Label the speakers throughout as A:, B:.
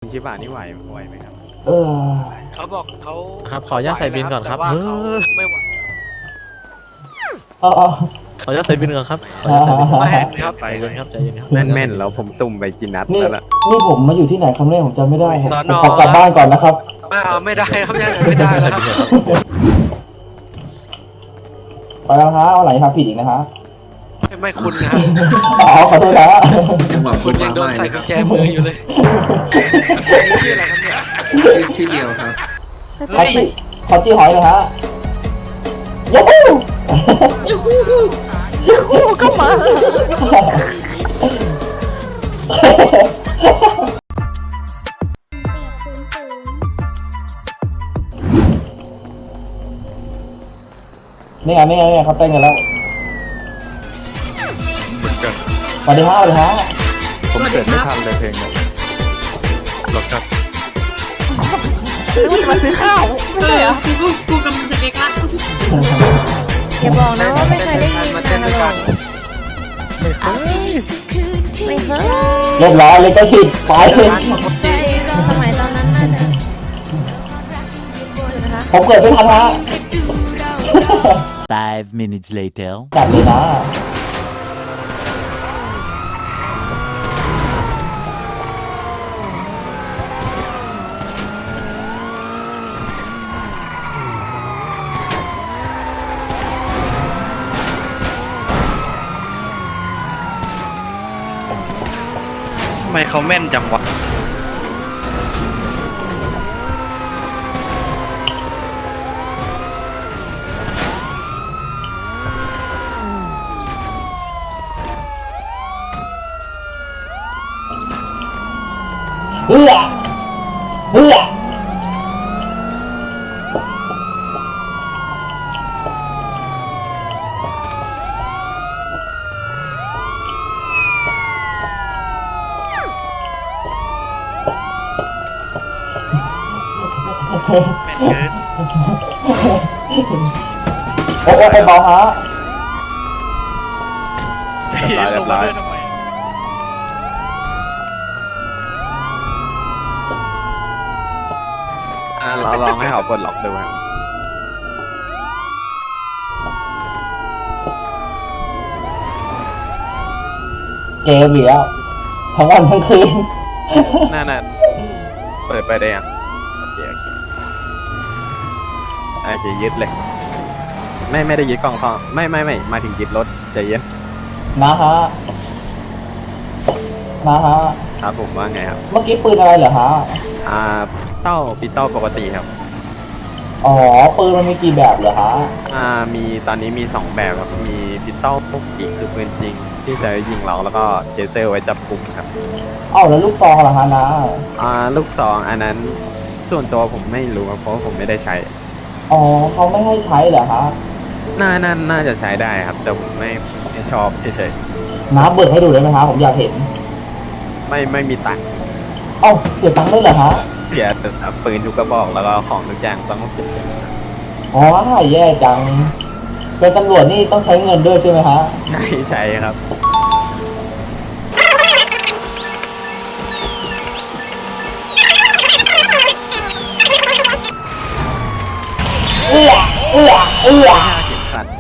A: ชิบะนี่ไหวไหมครับ
B: เออ
C: เขาบอกเขา
D: ครับขออนุญาตใส่บินก่อนครับ
C: แต่ว่าเขาไม่ไหว
B: เออ
D: ขออนุญาตใส่บินก่อนครับขออนุญาตใส่บินก่อน
C: ไม่เห็นครับ
D: ใจเย็นครับใจเย็นครับ
A: แม่นแล้วผมสุ่มไปกี่นัด
B: นี่
A: แล้วล่ะ
B: นี่ผมมาอยู่ที่ไหนคำแรกผมจำไม่ได้ผม
C: สอนอ
B: ขอกลับบ้านก่อนนะครับ
C: ไม่ได้ครับยังไม่ได้
D: ใส่
C: นะค
D: บิ
C: รับ
D: นก่อนครับ
B: ไปแล้วฮะเอาไหลทำผิดอีกนะฮะ
C: ไม่คุณนะครับ
B: อ๋อขอโทษนะ
C: คุณยังโดนใส่กุญแจมืออยู่เลยนี่ชื่ออะไรครับเนี่ย
E: ชื่อเดียวครับ
B: ขอจี้ขอจี้หอยเลยฮะยูฮูยูฮูก็มานี่ไงเขาเต้นกันแล้วสวัสดีฮะสวัสดีฮะ
A: ผมเกิดไม่ทันเลยเพลงนี้หรอกครับ
F: มันซื้อข้าวไม่ใช่เหรอ
G: กูกำลังจะเด็กละ
F: อย่าบอกนะว่าไม่เคยได้ยิน
C: มา
F: นะ
C: เต้นด้วยกัน
F: ไม่เคย
B: เรียบร้อยเลยก็สิไป
F: ใช่สมัยตอนนั้นน่าจะนะคะ
B: ผมเกิดไม่ทันฮะ
H: 5 minutes later
B: จัดเลยนะ
A: ทำไมเขาแม่นจังวะ
B: เฮ้ยโอ้โหเบาฮะ
A: เรียบร้อยเราลองให้เขาปลดล็อกดูครับ
B: เกมอีกแล้วทั้งวันทั้งคืน
A: น่าเปิดไปได้ยังโอเคยึดเลย ไม่ได้ยึดกล่องซองไม่มาถึงยึดรถใจเย็น
B: นะฮะ
A: ครับผมว่าไงครับ
B: เมื่อกี้ปืนอะไรเหรอฮะ
A: ปิสตอลปกติครับ
B: อ๋อปืนมันมีกี่แบบเหรอฮะ
A: มีตอนนี้มี2แบบครับมีปิสตอลปกติคือปืนจริงที่ใช้ยิงเราแล้วก็เจเซอร์ไว้จับกลุ่มครับ
B: เอ้าแล้วลูกซองเหรอฮะนะ
A: ลูกซองอันนั้นส่วนตัวผมไม่รู้ครับเพราะว่าผมไม่ได้ใช้
B: อ๋อเขาไม่ให้ใช้เหรอฮะ
A: น่าจะใช้ได้ครับ แต่ผมไม่ชอบเฉย
B: น้าเบิกให้ดูได้ไหมฮะผมอยากเห็น
A: ๆไม่มีตังค์
B: เอ้าเสียตังค์ด้วยเหรอฮะ
A: เสียแต่ปืนทุกกระบอกแล้วก็ของทุกอย่างต้องเสีย
B: อ๋อแย่จัง เป็นตำรวจนี่ต้องใช้เงินด้วยใช่ไหมฮะ
A: ใช่ครับ
B: เอื้อ
A: เข็มขัด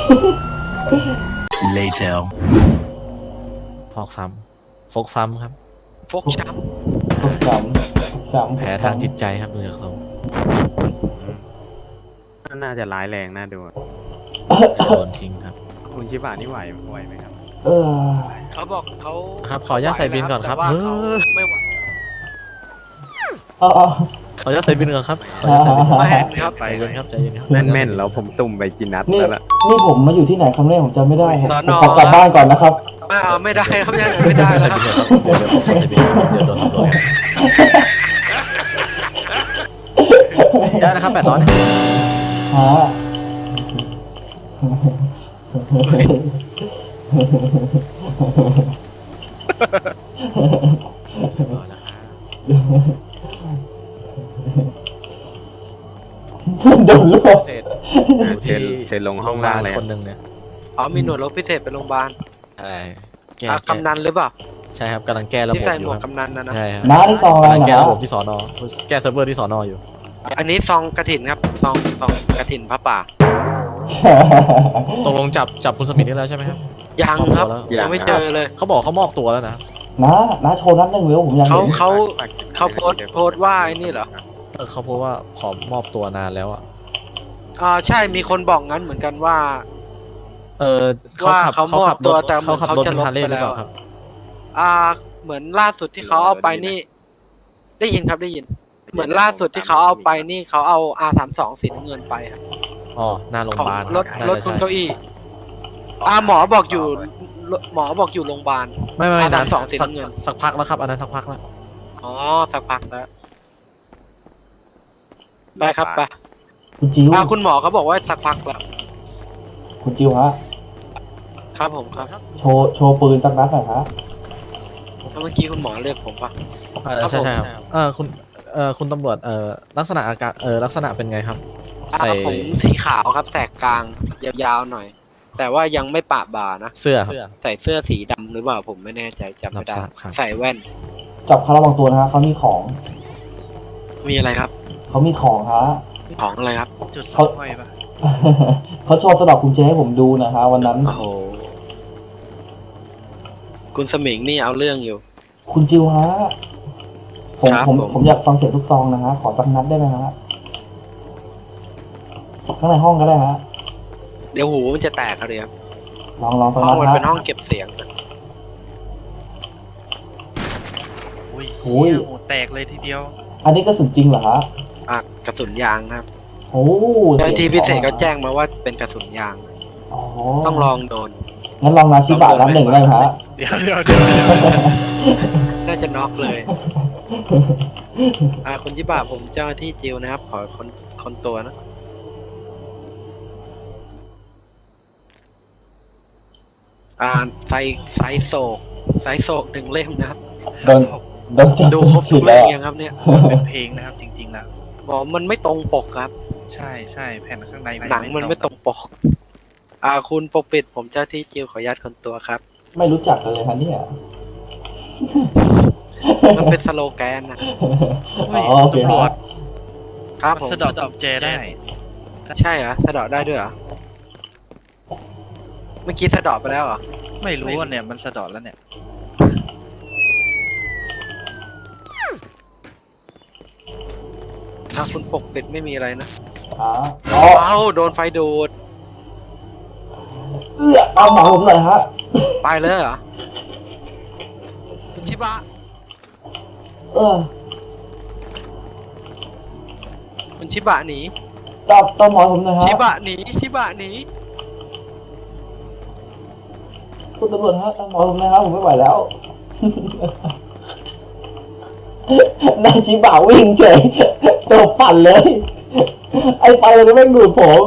H: later
D: ฟอกซ้ำครับ
C: ฟกช้
B: สาม
D: แผลทางจิตใจครับดูจากทรง
A: น่าจะร้ายแรงน่าดู
D: โดนทิ้งครับ
A: คุณชิบะนี่ไหวไหมครับ
B: เออ
C: ำเขาบอกเขา
D: ครับขออนุญาตใส่บินก่อนครับ
C: แต่ว่าเขาไม่ไหว
B: เอ๋อ
D: ขออนุญาตใส่บินก่อนครับขออนุญาตใส่บินก่อน
C: ไม่เห็นครับ
D: ใจเย็นครับใจเย็นครับ
A: แม่นแล้วผมสุ่มไปกี่นัด
B: นี่
A: แล้วล่ะ
B: นี่ผมมาอยู่ที่ไหนคำแรกผมจำไม่ได้ผม
C: สอนอ
B: ขอกลับบ้านก่อนนะครับ
C: ไม่ได้ครับยังไม่ได้
D: ใส่
C: นะค
D: บิ
C: รับ
D: นก่อนครับเดี๋ยวผมใส่บินเดี๋ยวโดนตำรวจได้นะครับ800นะ
B: ฮะ
D: เรียบร้อยแล้วครับ
B: โดนลวก
D: เสร็จ
A: เชิญลงห้องล่างเลย
D: คนหนึ่งเนี่ย
C: อ๋อมีหน่วยรบพิเศษไปโรงพยาบาล
D: อะไรแก้
C: กำนันหรือเปล่า
D: ใช่ครับกำลังแก้ระบบ
C: ที่ใส่
D: อ
C: หม
D: ยู่
C: วก
D: ครับ
C: กำนันนะ
D: ใช่ครับ
B: น้าที่ซองอะไร
D: กำลัง
B: นะ
D: แก้ระบบที่สอนอแก้เซิร์ฟเวอร์ที่สอนออยู่
C: อันนี้ซองกระถินครับซองกระถินพระป่า
D: ตกลงจับคุณสมิธได้แล้วใช่ไหมครับ
C: ยังครับ
D: มอบตัวแล้ว
C: ยังไม่เจอเลย
D: เขาบอกเขามอบตัวแล้วนะ
B: น้าโชว์นัดหนึ่งเร็วผมอยาก
C: เขา
B: เห็น
C: เขาโพสต์ว่าไอ้นี่เหรอ
D: เขาพูดว่าขอมอบตัวนานแล้วอ่ะ
C: ใช่มีคนบอกงั้นเหมือนกันว่า
D: เขาขับ
C: ว่าเขามอบตัวแต่
D: เขาขับรถ
C: เขาจะ
D: เป็นฮาร์เลย์
C: ลบไป
D: หรือเปล่า
C: แล้ว
D: ครับ
C: เหมือนล่าสุดที่เขาเอาไปนี่ ได้ยินครับได้ยิน เหมือนล่าสุดที่เขาเอาไปนี่เขาเอา R32 สีน้ำเงินไปครับ
D: อ๋อหน้าโรงพ
C: ของ
D: ยาบาล
C: รถ
D: น่าร
C: ถ
D: จะ
C: คุณ
D: ใช่
C: เก้าอี้หมอบอกอยู่โรงพยาบาล
D: ไม่
C: อ่า
D: นาน
C: 32สีน้ำเงิน
D: สักพักแล้วครับอันนั้นสักพักแล้ว
C: อ๋อสักพักแล้วไปครับไป
B: คุณจิว
C: คุณหมอเขาบอกว่าสักพักแล้ว
B: คุณจิวฮะ
C: ครับผมครับ
B: โชว์ปืนสักนัดหน่อยฮะ
C: แล้วเมื่อกี้คุณหมอเรียกผมปะ ครับ
D: ใช่
C: ผม
D: ครับคุณตำรวจลักษณะอาการลักษณะเป็นไงครับใส่
C: ผมสีขาวครับแสกกลางยาวๆหน่อย แต่ว่ายังไม่ปะบ่านะ
D: เสื้อครับ
C: ใส่เสื้อสีดำหรือเปล่าผมไม่แน่ใจจำไม่ได้
D: รับทราบครับ
C: ใส่แว่น
B: จับเขาระวังตัวนะฮะเขามีของ
C: มีอะไรครับ
B: เขามีของฮะ
C: ของอะไรครับ
E: จุดส
B: เขา
E: ห้อยปะ
B: เขาโชว์สะดอกกุญแจให้ผมดูนะฮะวันนั้น
C: โอ้โหคุณสมิงนี่เอาเรื่องอยู่
B: คุณจิวฮะผม
C: ครับ
B: ผม
C: ผม
B: ผมอยากฟังเสียงทุกซองนะฮะขอสักนัดได้ไหมฮะข้างในห้องก็ได้ฮะ
C: เดี๋ยวหูมันจะแตกครับเดี๋ยว
B: ลองสัก
C: ห้
B: นั
C: อง
B: ด
C: มัน
B: ฮะ
C: เป็นห้องเก็บเสียงนะ
E: อุ้ย
B: โอ้ย
E: เหี้ยโหแตกเลยทีเดียว
B: อันนี้กระสุนจริงเหรอฮะ
C: กระสุนยางนะครับ
B: โอ้
C: เจ้าหน้าที่พิเศษก็แจ้งมาว่าเป็นกระสุนยาง
B: อ๋อ
C: ต้องลองโดน
B: งั้นลองนาชิบะนัดหนึ่งได้ไหมฮะ
E: เดี๋ยว
C: น่าจะน็อกเลย คุณยิบะผมเจ้าหน้าที่จิวนะครับ ขอคนตัวนะ ไซโศกหนึ่งเล่มนะครับ
B: โดนโดนจับ
C: ดู
B: จน
C: ครบ
B: ฉี
C: ทุ
B: ด
C: ก
B: แล้
C: เล่
B: ว
C: มยังครับเนี่ย
E: เป็นเพลงนะครับจริงๆแล้ว
C: บอกมันไม่ตรงปกครับ
E: ใช่แผ่นข้างใน
C: หนังมันไม่ตรงปก คุณปกปิดผมเจ้าที่จิวขออนุญาตคนตัวครับ
B: ไม่รู้จักกันเลยฮะเนี่ย
C: มันเป็นสโลแกนนะ
E: อุ้ย
B: อ๋อโอเค
E: ตำรวจ
C: ครับ
E: มัน
C: ผม
E: สะเดอกกุญแจได้
C: ใช่เหรอสะเดาะได้ด้วยเหรอ เมื่อกี้สะเดาะไปแล้วเหรอ
E: ไม่รู้ว่าเนี่ยมันสะเดอกแล้วเนี่ย
C: คุณปกปิดไม่มีอะไรนะ
B: อ๋อ
C: โดนไฟดูด
B: เอาหมอผมหน่อยฮะ
C: ไปเลยเหรอคุณชิบะ
B: เออ
C: คุณชิบะหนี
B: ตามหมอผมหน่อยฮะ
C: ชิบะหนี
B: คุณตำรวจฮะตามหมอผมหนะครับผมไม่ไหวแล้ว นายชิบะวิ่งเฉยตัวปั่นเลย ไอ้ไฟเราเนี่ยแม่งดูดผม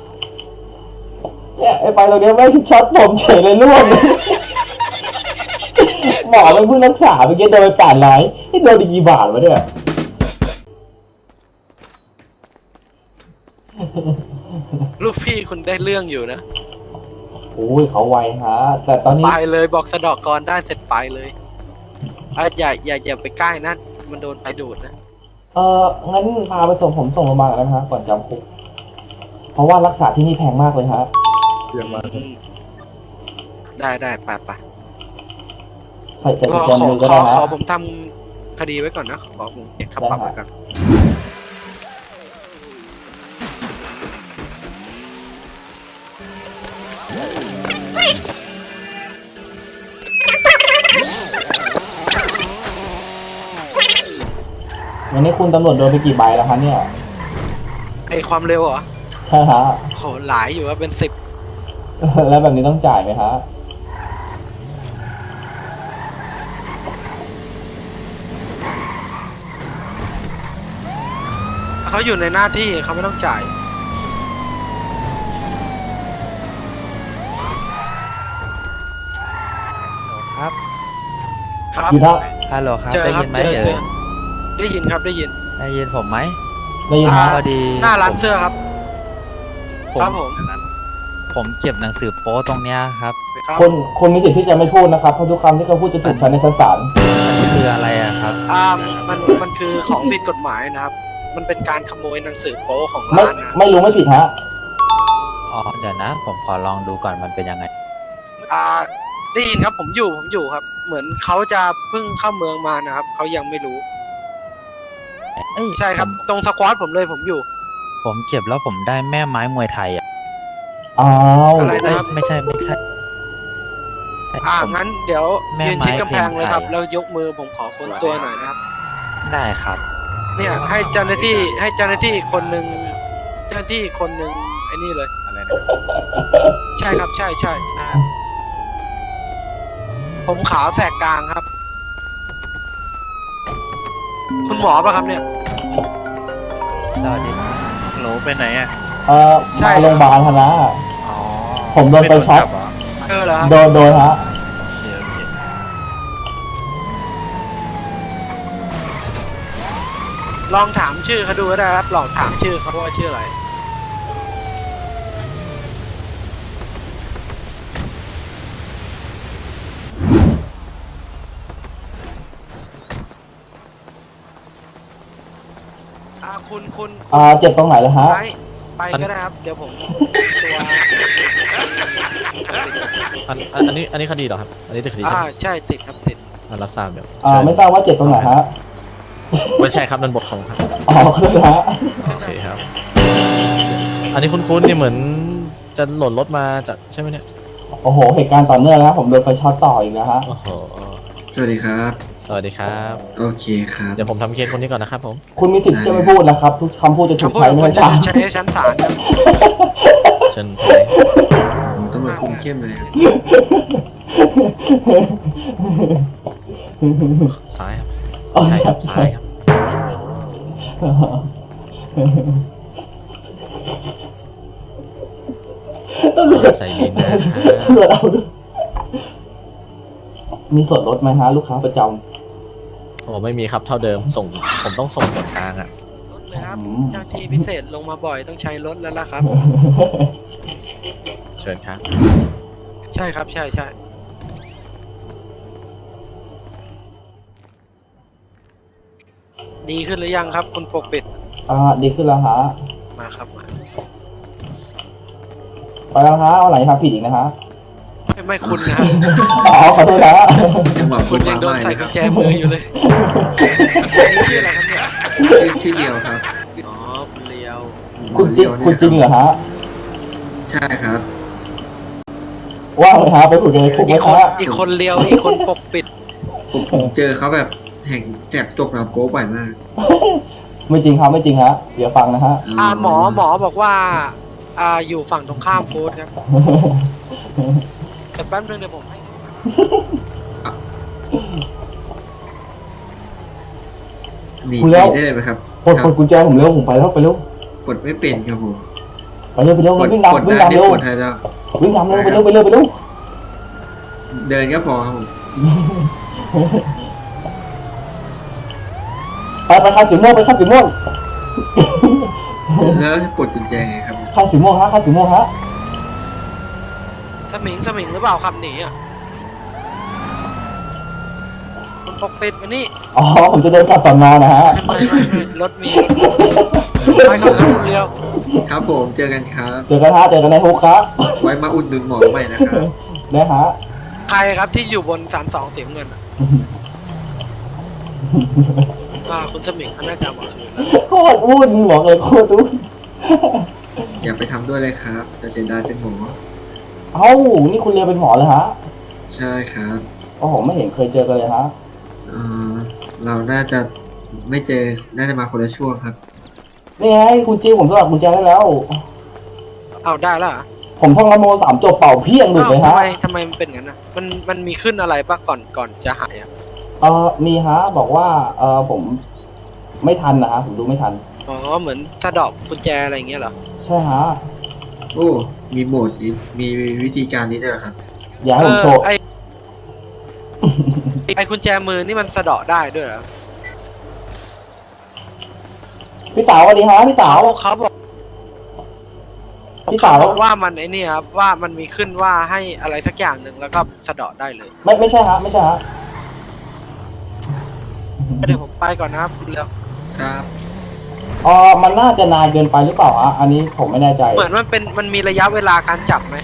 B: เนี่ยไอ้ไฟเราเนี่ยแม่งช็อตผมเฉยเลยล่วง หมอมันเพิ่งรักษาเมื่อกี้โดนไป800นี่โดนอีกกี่บาทวะเนี่ย
C: ลูกพี่คุณได้เรื่องอยู่นะ
B: โอ้ยเขาไวฮะแต่ตอนนี้
C: ไปเลยบอกสะเดอกกรได้เสร็จไปเลยอย่าไปใกล้นั่นมันโดนไฟดูดนะ
B: งั้นพาไปผมส่งโรงพยาบาลกันนะฮะก่อนจำคุกเพราะว่ารักษาที่นี่แพงมากเลยฮะ
C: ได้ไป
B: ใส่
C: ข
B: กุ
C: อ
B: ญแจมือก็ได้ฮะ
C: ผมทำคดีไว้ก่อนนะขอผมเก็บค่าปรับไว้ก่อน
B: วันนี้คุณตำรวจโดนไปกี่ใบแล้วคะเนี่ย
C: ไอความเร็วเหรอ
B: ใช่ฮะ
C: โหหลายอยู่ว่าเป็น10
B: แล้วแบบนี้ต้องจ่ายไหมฮะ
C: เขาอยู่ในหน้าที่เขาไม่ต้องจ่าย
A: ครับ
C: ครับ
B: อยู่นะ
A: ฮัลโหลครับ
C: เจอ
A: ได้
C: ครับ
A: ยินไหม
C: เจอ
A: เอ่ย
C: ได้ยินครับได้ยิน
A: ได้ยินผมไหม
B: ได้ยินฮะ
A: พอดี
C: หน้าร้านเสื้อครับ
A: ผม
C: ครับผม
A: ผ
G: ผมเก็บหนังสือโป๊ตรงเนี้ยครับ
C: ครับ
B: คนมีสิทธิ์ที่จะไม่พูดนะครับเพราะทุกคำที่เขาพูดจะถูกใช้ในชั้นศาล
G: มันคืออะไรอะครับ
C: มันคือของผิดกฎหมายนะครับ มันเป็นการขโมยหนังสือโป๊ของ
B: ไม่
C: ร้านนะ
B: ไม่รู้ไม่ผิดฮะ
G: อ๋อ เดี๋ยวนะ ผมขอลองดูก่อนมันเป็นยังไง
C: ได้ยินครับผมอยู่ครับ เหมือนเขาจะเพิ่งเข้าเมืองมานะครับเขายังไม่รู้
G: เอ้ย
C: ใช่ครับ ตรงสควอตผมเลยผมอยู่
G: ผมเก็บแล้วผมได้แม่ไม้มวยไทยอะ
B: อ้าว
C: อะไร
G: เอ้
C: นะ
G: ย
C: ครับ
G: ไม่ใช่ ผม
C: งั้นเดี๋ยว
G: แม่
C: ยืนชิดกำแพงเลยครับ
G: ไม้
C: แล้วยกมือผมขอค้นตัวหน่อยนะครับ
G: ได้ครับ
C: เนี่ยให้เจ้าหน้าที่คนหนึ่งเจ้าหน้าที่คนหนึ่งไอ้นี่เลย
A: อะไรนะ
C: ใช่ครับใช่ผมขาวแสกกลางครับ คุณหมอป่ะครับเนี่ย
G: สวัสดีครับ
E: โหลไปไหนอ่ะ
C: ใช่
B: มาโรงพยาบาลคณะ
E: อ๋อ
B: ผมโดนไฟช็อต
E: ไม่โดนจับเหรอ
C: เหรอครับ
B: โดนฮะ
E: โอเคโอเค
C: ลองถามชื่อเขาดูก็ได้ครับลองถามชื่อเขาว่าชื่ออะไรคุณ
B: เจ็บตรงไหนแล้วฮะ
C: ไปก็ได้ครับ เดี๋ยวผมตัว
D: อันนี้คดีเหรอครับ อันนี้ติดคดีใช่ไหม
C: ใช่ติดครับติด
D: รับทราบเดี๋ยวเชิญ
B: ไม่ทราบว่าเจ็บตรงไหนฮะ
D: ไม่ใช่ครับนั่นบทของครับ
B: อ๋อขอโทษนะฮะ
D: โอเคครับ อันนี้คุ้นๆนี่เหมือนจะหล่นรถมาจากใช่ไหมเนี่ย
B: โอ้โหเหตุการณ์ต่อเนื่องนะผมโดนไฟช็อตต่ออีกนะฮะ
D: โอ้โห
H: สวัสดีครับ
D: สวัสดีครับ
H: โอเคครับ
D: เดี๋ยวผมทำเคสคนนี้ก่อนนะครับผม
B: คุณมีสิทธิ์ที่จะไม่พูดนะครับ ทุกคำพูดจะถูก
C: คำพูด
B: ใช้
C: ของ
B: ใน
C: คุณจะ
B: ชั้นศาล
C: ใช้ในชั้นศาลครับ
D: เชิญไป
H: ผมตำรวจคุมเข้มเลยครับ
D: ซ้ายครับใช่ครับซ้ายครับใส่บินนะครับ
B: ตำรวจเอาด้วยมีส่วนลดไหมฮะลูกค้าประจ
D: โอ้ไม่มีครับเท่าเดิมผมต้องส่งส่วนกลางอ่ะ
C: รถเลยครับเจ้าที่พิเศษลงมาบ่อยต้องใช้รถแล้วล่ะครับ
B: ำ
D: เชิญครับ
C: ใช่ครับใช่ดีขึ้นหรือยังครับ คุณปกปิด
B: ดีขึ้นแล้วฮะ
C: มาครับมา
B: ไปแล้วฮะเอาไหนทำผิดอีกนะฮะ
C: ไม่คุณนะครับ
B: อ๋อขอโทษนะฮะ
H: จังหวะ
C: คุณยังโดนใส่กุญแจมืออยู่เลยอันนี้ชื่ออะไรครับเนี่ย
H: ชื่อเดียวครับ
C: อ๋อคุณเลียว
B: คุณจริงเหรอฮะ
H: ใช่ครับ
B: ว่างเลยฮะไปคุยกันในคุกไหม
C: อีกคน
B: ฮะ
C: อีกคนเลียวอีกคนปกปิด
H: ผมเจอเขาแบบแห่งแจกจกหนับโก้บ่อยมาก
B: ไม่จริงครับไม่จริงฮะเดี๋ยวฟังนะฮะ
C: หมอบอกว่าอยู่ฝั่งตรงข้ามฟู้ดครับแต่แป๊บนึงเดี๋ยวผมให้
H: หนี
B: คุณแล้ว
H: ได้เลยไหมครับ
B: ปลดกุญแจผมเร็วผมไปแล้วไปเร็ว
H: กดไม่เป็นครับผม
B: ไปเร็ววิ่ง
H: กด
B: นำวิ่ง
H: ได้
B: นำ
H: นี่
B: เร็ว
H: กดให้แล้ว
B: วิ่งนำเร็วไปเร็วไปเร็ว
H: เดินก็พอครับผม
B: ไปคันสีม่วงไปคันสีม่วง
H: แล้วกดกุญแจไงครับ
B: คันสีม่วงฮะคันสีม่วงฮะ
C: สมิงหรือเปล่าครับหนีอ่ะคุณปกปิดมานี่
B: อ๋อผมจะเดินกลับสอนอนะฮะ
C: ไม่รถมีไปครับคุณเลียว
H: ครับผมเจอกันครับ
B: เจอกันฮะเจอกันในคุกครับ
H: ไว้มาอุดหนุนหมอใหม่นะครับ
B: นะฮะ
C: ใครครับที่อยู่บน32เสียงเงินอะคุณสมิงเขาน่าจะบอกชื่อแล้ว
B: โคตรวุ่นบอกเลยโคตรวุ่น
H: อย่าไปทำด้วยเลยครับจะเสียดายเป็นหมอ
B: เอ้านี่คุณเรียนเป็นหมอเลยฮะ
H: ใช่ครับ
B: โอ้โหไม่เห็นเคยเจอกันเลยฮะ
H: เราน่าจะไม่เจอ น่าจะมาคนละช่วงครับ
B: นี่ไงคุณจีผมสลับกุญแจได้แล้ว
C: เอาได้แล้วเหรอ
B: ผมท่องละโม3จบเป่าเพี้ยงหลุดเลยฮะ
C: ทำไมมันเป็นงั้นนะมันมีขึ้นอะไรปะก่อนจะหายอ่ะ
B: มีฮะบอกว่าผมไม่ทันนะฮะผมดูไม่ทัน
C: อ๋อเหมือนสะดอกกุญแจอะไรอย่างเงี้ยเหรอ
B: ใช่ฮะ
H: โอ้ มีโหมดนี้มีวิธีการนี้ด้วยเหรอครับ
B: อย่าให้ผมโชว์
C: ไอกุญแจมือนี่มันสะเดาะได้ด้วยเหรอ
B: พี่สาวสวัสดีฮะพี่สาว
C: เขาบอก
B: พี่
C: เขา
B: สาว
C: บอกว่ามันไอ้นี่ครับว่ามันมีขึ้นว่าให้อะไรสักอย่างหนึ่งแล้วก็สะเดาะได้เลย
B: ไม่ใช่ฮะไม่ใช่ฮะ
C: เดี๋ยวผมไปก่อนนะครับคุณเร็ว
H: ครับ
B: มันน่าจะนานเกินไปหรือเปล่าฮะอันนี้ผมไม่แน่ใจ
C: เหมือนมันมีระยะเวลาการจับไหม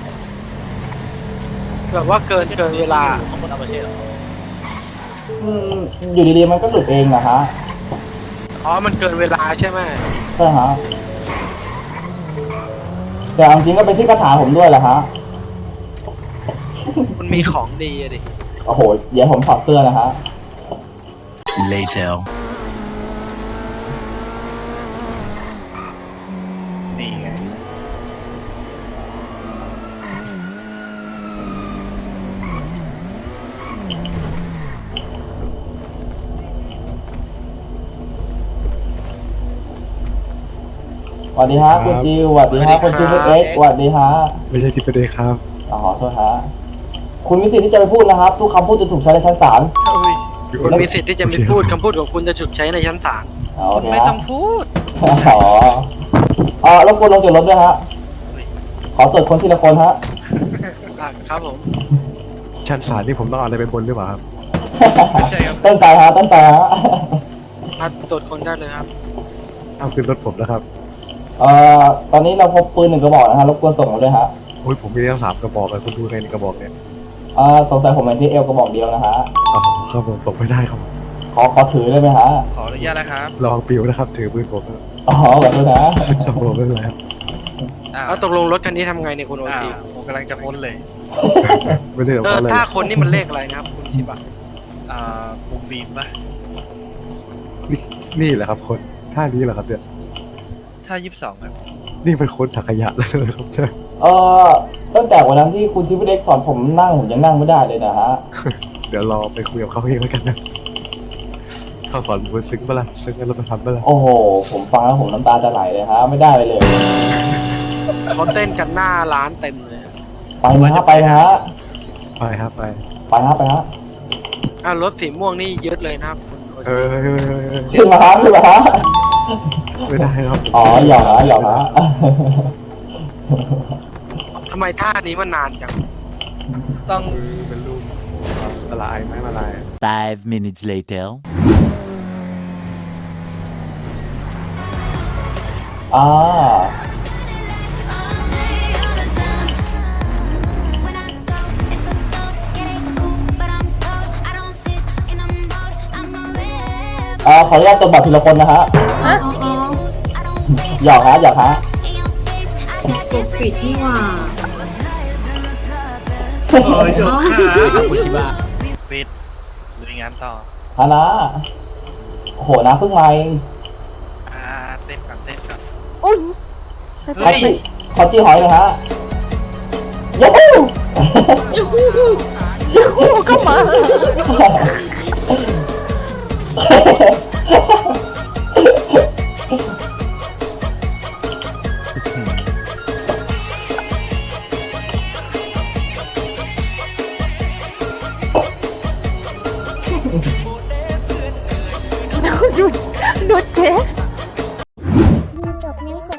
C: แบบว่าเกินเวลา
D: สมมติเอาไปเช่เหรอ
B: อืมอยู่ดีๆมันก็หลุดเองนะฮะ
C: อ๋อมันเกินเวลาใช่ไหม
B: ใช่ฮะแต่เอาจริงก็เป็นที่คาถาผมด้วยแหละฮะ
C: มันมีของดีอะดิ
B: โอ้โหเดี๋ยวผมถอดเสื้อนะฮะ
E: later นี่ไง
B: สวัสดีฮะคุณจิวสวัสดีฮะคุณจิวเอ็กซ์สวัสดีฮะ
A: ไม่ใช่ทิปเดย์ครับ
B: อ๋อขอโทษฮะคุณมีสิทธิ์ที่จะไปพูดนะครับ ทุกคำพูดจะถูกใช้ในชั้นศาล
C: คุณมีสิทธิ์ที่จะไม่พูดคำพูดของคุณจะถูกใช้ในชั้นศาล
B: อ๋อโอเค
E: ไม่
B: ฮะ
E: ต้องพูด
B: อ๋อรบกวนลงจากรถด้วยฮะขอตรวจคนทีละคนฮะ
C: ครับผม
A: ชั้นศาลที่ผมต้องเอาอะไรไปบนหรือเปล่าครับ
E: ไม่ใช่ครับ
B: ต้นสายฮะต้นสายฮะ
C: มาตรวจคนได้เลยครับ
A: เอาขึ้นรถผมนะครับ
B: ตอนนี้เราพบปืน1 กระบอกนะฮะรบกวนส่งมาด้วยฮะ
A: โอ้ยผมมีทั้ง3 กระบอกเลยคุณดูในกระบอกเนี่ย
B: สงสัยผมเป็นที่เอวกระบอกเดียวนะฮะ
A: อ๋อครับผมส่งไม่ได้ครับ
B: ขอถือได้ไหมฮะ
E: ขออนุญาตนะครับ
A: ลองปิวนะครับ ถือปืนผมนะ
B: อ๋อขอโทษนะ
A: สมผมไม่เป็นไรครับ
C: แล้วตกลงรถคันนี้ทำไงเนี่ยคุณโอ
E: อ้าว
C: ที
E: ผมกำลังจะค้นเลย
A: ไม่ได้กับเขาเลย
C: ถ้าคนนี่มันเลขอะไรนะครับคุณชิบะ
E: มุมบีมปะ
A: นี่แหละครับคนท่านี้แหละครับเนี่ย
E: ถ้า22ครับ
A: นี่เป็นคนถักขยะแล้วนะครับใช่
B: ตั้งแต่วันนั้นที่คุณชิปเด็กสอนผมนั่งผมยังนั่งไม่ได้เลยนะฮะ
A: เดี๋ยวรอไปคุยกับเขาเองแล้วกันนะเขาสอนผมซึ้งปะล่ะซึ้งกันแล้วมาทำปะล่ะ
B: โอ้โห ผมฟังแล้วผมน้ำตาจะไหลเลยฮะ ไม่ได้เลย
C: เขาเต้นกันหน้าร้านเต็มเลย
B: ไปนะฮะไปนะฮะ
A: ไปครับไป
B: ไปฮะไปฮะ
C: รถสีม่วงนี่ยึดเลยนะครับคุณโอ
A: เอ
C: ที
A: อ
B: ขึ้นมาฮะขึ้นมาฮะ
A: ไม่ได้ครับ
B: อ๋อหยอกฮะหยอกฮะ
C: ทำไมท่านี้มันนานจัง
E: ต้อง
A: เป็นรูปสลายไม้มาลาย
G: 5 minutes later
B: อ่า ขออนุญาตตรวจบัตรทีละคนนะฮะ
F: อะ
B: หยอกฮะหยอกฮะ
I: ปิดนี่หว่า
E: โอ้ยยกขา
D: คุณชิบะ
E: ปิดลุยงานต่อ
B: ฮานะโอ้โหนะเพิ่งมาเอง
E: เต้นก่อนเต้นก่อน
F: อุ้ย
B: ขอจี้ขอจี้หอยนะฮะยูฮู
F: ยูฮูก็มา ดูเซส
I: ดูจบนิ้วก